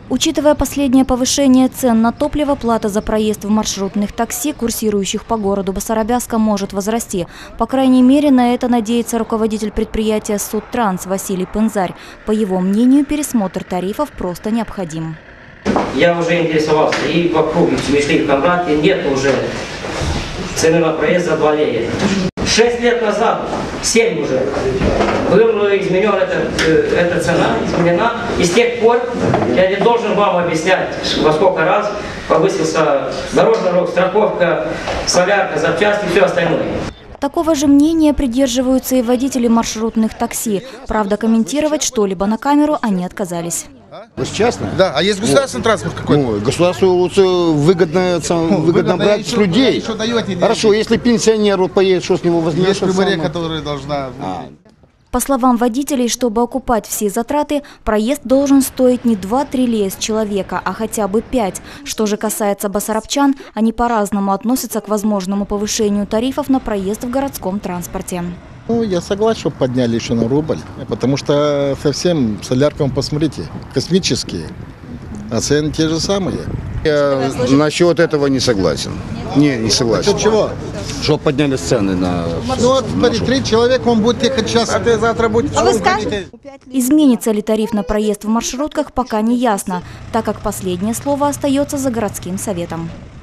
Учитывая последнее повышение цен на топливо, плата за проезд в маршрутных такси, курсирующих по городу Басарабяска, может возрасти. По крайней мере, на это надеется руководитель предприятия «Судтранс» Василий Пынзарь. По его мнению, пересмотр тарифов просто необходим. Я уже интересовался, и в округе Цвешли, в Камбраке нет уже цены на проезд за 2 лея. 6 лет назад, 7 уже, была изменена эта цена, изменена. И с тех пор я не должен вам объяснять, во сколько раз повысился дорожный рух, страховка, солярка, запчасти и все остальное. Такого же мнения придерживаются и водители маршрутных такси. Правда, комментировать что-либо на камеру они отказались. Частно? Да, а есть государственный транспорт какой-то? Государству лучше выгодно брать с людей. Хорошо, если пенсионер поедет, что с него возьмешь? Есть приборы, которые должна... По словам водителей, чтобы окупать все затраты, проезд должен стоить не 2-3 лея с человека, а хотя бы 5. Что же касается басарабчан, они по-разному относятся к возможному повышению тарифов на проезд в городском транспорте. Я согласен, чтобы подняли еще на рубль, потому что совсем соляркам, посмотрите, космические, а цены те же самые. Я насчет этого не согласен. Не согласен. Насчет чего? Что подняли цены на... Ну вот, смотри, 3 человека, он будет ехать час, а ты завтра будешь... Изменится ли тариф на проезд в маршрутках, пока не ясно, так как последнее слово остается за городским советом.